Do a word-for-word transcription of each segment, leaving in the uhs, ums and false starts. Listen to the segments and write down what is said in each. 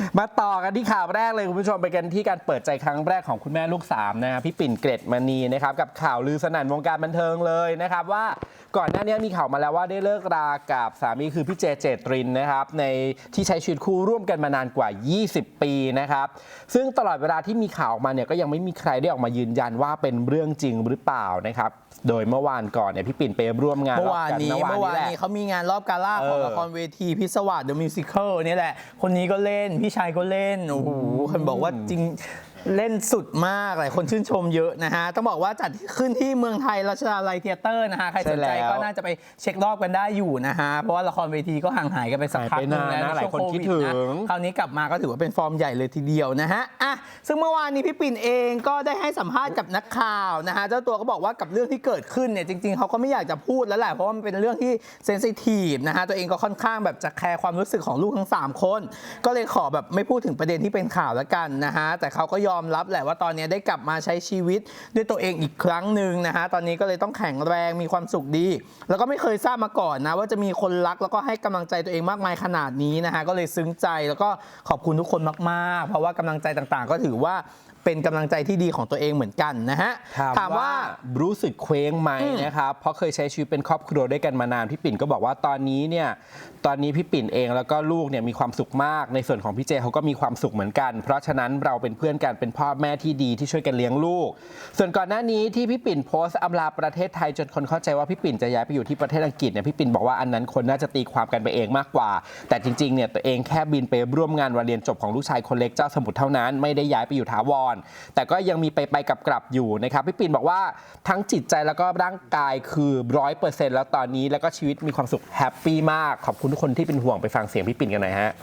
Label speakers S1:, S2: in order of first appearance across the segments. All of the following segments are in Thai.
S1: มาต่อกันที่ข่าวแรกเลยคุณผู้ชมไปกันที่การเปิดใจครั้งแรกของคุณแม่ลูกสามนะครับพี่ปิ่นเกรดมณีนะครับกับข่าวลือสนั่นวงการบันเทิงเลยนะครับว่าก่อนหน้านี้มีข่าวมาแล้วว่าได้เลิกรากับสามีคือพี่เจเจตรินนะครับในที่ใช้ชีวิตคู่ร่วมกันมานานกว่า ยี่สิบ ปีนะครับซึ่งตลอดเวลาที่มีข่าวออกมาเนี่ยก็ยังไม่มีใครได้ออกมายืนยันว่าเป็นเรื่องจริงหรือเปล่านะครับโดยเมื่อวานก่อนเนี่ยพี่ปิ่นไปร่วมงาน
S2: เมื่อวานนี้เมื่อวานนี้เขามีงานรอบกาล่าของละครเวทีพิศวาส The Musical นี่แหละคนนี้ก็เล่นพี่ชายก็เล่นโอ้โหคนบอกว่าจริงเล่นสุดมากหลายคนชื่นชมเยอะนะฮะต้องบอกว่าจัดขึ้นที่เมืองไทยรัชดาลัยเธียเตอร์นะฮะใครสนใจก็น่าจะไปเช็ครอบกันได้อยู่นะฮะเพราะว่าละครเวทีก็ห่างหายกันไปสักพักนึงแล้ว
S1: หลายคนคิดถึง
S2: คราวนี้กลับมาก็ถือว่าเป็นฟอร์มใหญ่เลยทีเดียวนะฮะอ่ะซึ่งเมื่อวานนี้พี่ปิ่นเองก็ได้ให้สัมภาษณ์กับนักข่าวนะฮะเจ้าตัวก็บอกว่ากับเรื่องที่เกิดขึ้นเนี่ยจริงๆเขาก็ไม่อยากจะพูดแล้วแหละเพราะว่ามันเป็นเรื่องที่เซนซิทีฟนะฮะตัวเองก็ค่อนข้างแบบจะแคร์ความรู้สึกของลูกทั้งสามคนก็เลยขอแบบไม่พูดถึงประเด็นที่เป็นข่าวแล้วกันนะฮะแต่เขาก็ยอมรับแหละว่าตอนนี้ได้กลับมาใช้ชีวิตด้วยตัวเองอีกครั้งหนึ่งนะฮะตอนนี้ก็เลยต้องแข็งแรงมีความสุขดีแล้วก็ไม่เคยทราบมาก่อนนะว่าจะมีคนรักแล้วก็ให้กำลังใจตัวเองมากมายขนาดนี้นะฮะก็เลยซึ้งใจแล้วก็ขอบคุณทุกคนมากๆเพราะว่ากำลังใจต่างๆก็ถือว่าเป็นกำลังใจที่ดีของตัวเองเหมือนกันนะฮะ
S1: ถามว่ารู้สึกเคว้งไหมนะครับเพราะเคยใช้ชีวิตเป็นครอบครัวด้วยกันมานานพี่ปิ่นก็บอกว่าตอนนี้เนี่ยตอนนี้พี่ปิ่นเองแล้วก็ลูกเนี่ยมีความสุขมากในส่วนของพี่เจเขาก็มีความสุขเหมือนกันเพราะฉะนั้นเราเป็นเพื่อนกันเป็นพ่อแม่ที่ดีที่ช่วยกันเลี้ยงลูกส่วนก่อนหน้านี้ที่พี่ปิ่นโพสต์อำลาประเทศไทยจนคนเข้าใจว่าพี่ปิ่นจะย้ายไปอยู่ที่ประเทศอังกฤษเนี่ยพี่ปิ่นบอกว่าอันนั้นคนน่าจะตีความกันไปเองมากกว่าแต่จริงๆเนี่ยตัวเองแค่บินไปร่วมงานวันเรียนจบของลูกชายคนเล็กเจ้าสมุทรเท่านั้นไม่ได้ย้ายไปอยู่ถาวรแต่ก็ยังมีไปไปกลับกลับอยู่นะครับพี่ปิ่นบอกว่าทั้งจิตใจแล้วก็ร่างกายคือร้อยเปอร์เซ็นต์แล้วตอนนี้แล้วก็ชีวิตมีความสุขแฮปปี้มากขอบคุณทุกคนที่เป็นห่วงไปฟังเสียงพี่ปิ่นกันหน่อยฮะ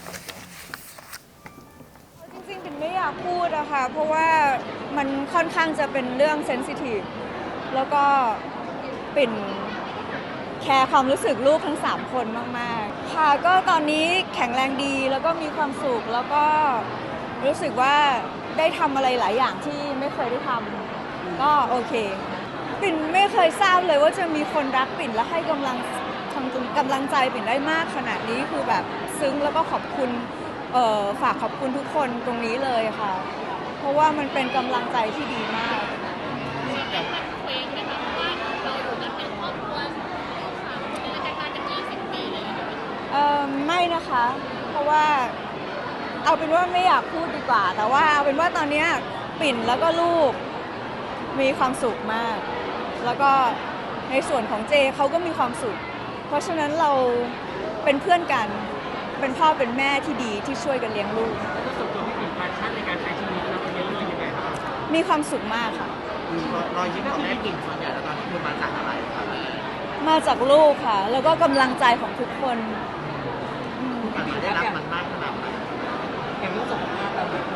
S3: จริงๆปิ่นไม่อยากพูดอะค่ะเพราะว่ามันค่อนข้างจะเป็นเรื่องเซนซิทีฟแล้วก็ปิ่นแคร์ความรู้สึกลูกทั้งสามคนมากๆค่ะก็ตอนนี้แข็งแรงดีแล้วก็มีความสุขแล้วก็รู้สึกว่าได้ทำอะไรหลายอย่างที่ไม่เคยได้ทำก็โอเคปิ่นไม่เคยทราบเลยว่าจะมีคนรักปิ่นและให้กำลังกำลังใจปิ่นได้มากขนาดนี้คือแบบซึ้งแล้วก็ขอบคุณฝากขอบคุณทุกคนตรงนี้เลยค่ะเพราะว่ามันเป็นกำลังใจที่ดีมากเออไม่นะคะเพราะว่าเอาเป็นว่าไม่อยากพูดดีกว่าแต่ว่าเอาเป็นว่าตอนนี้ปิ่นแล้วก็ลูกมีความสุขมากแล้วก็ในส่วนของเจเขาก็มีความสุขเพราะฉะนั้นเราเป็นเพื่อนกันเป็นพ่อเป็นแม่ที่ดีที่ช่วยกันเลี้ยงลูก
S4: แล้วส่วนตัวพี่ปิ่นแพชชั่นในการใช้ชีวิตแล้วเป็นเรื่องยังไงครับ
S3: มีความสุขมากค่ะ
S4: รอยยิ้มของแม่ปิ่นส่วนใหญ่แล้วตอนนี้คือมาจากอะไรครับ
S3: มาจากลูกค่ะแล้วก็กำลังใจของทุกคน
S4: ได้รับมันมากขนาดไหนอย่างรู้สึกว่าเราแบบ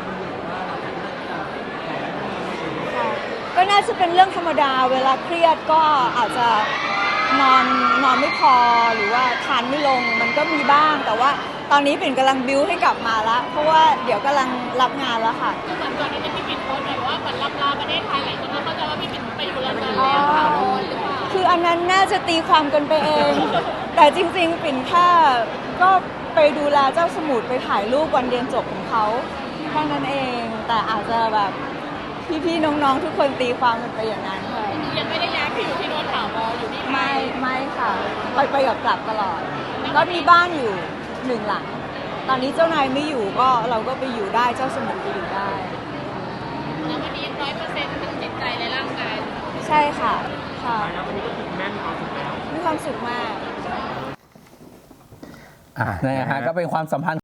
S3: ก็น่าจะเป็นเรื่องธรรมดาเวลาเครียดก็อาจจะนอนนอนไม่พอหรือว่าทานไม่ลงมันก็มีบ้างแต่ว่าตอนนี้ปิ่นกำลังบิ้วให้กลับมาแล้วเพราะว่าเดี๋ยวกำลังรับงานแล้วค่ะ
S5: คือเหมือนก่อนที่พี่ปิ่นโพสต์แบบว่าเหมือนรับลาประเทศไทยหลายคนก็เข้าใจว่าพี่ปิ่นไปอยู่แล้วแล้วค่ะ
S3: คืออันนั้นน่าจะตีความกันไปเองแต่จริงๆปิ่นแค่ก็ไปดูแลเจ้าสมุทรไปถ่ายรูปวันเรียนจบของเขาแค่นั้นเองแต่อาจจะแบบพี่ๆน้องๆทุกคนตีความกันไปอย่างนั้นค่ะ
S5: ยังไม่ได้ย้ายไปอยู่ที่โน่นถาวรอยู่ที่
S3: ไม่ไม่ค่ะไปไปกับกลับตลอดก็มีบ้านอยู่หนึ่งหลังตอนนี้เจ้านายไม่อยู่ก็เราก็ไปอยู่ได้เจ้าสมุทรไปอยู่ได้
S5: แล้ววันนี้ร้อยเปอร์เซ็นต์ทั้งจิตใจและร่างกาย
S3: ใช่ค่ะค่ะ
S4: แล้ววันนี้ก็คือแม่มีความสุขแล้ว
S3: มีความสุขมาก
S2: อ่านะฮะก็เป็นความสัมพันธ์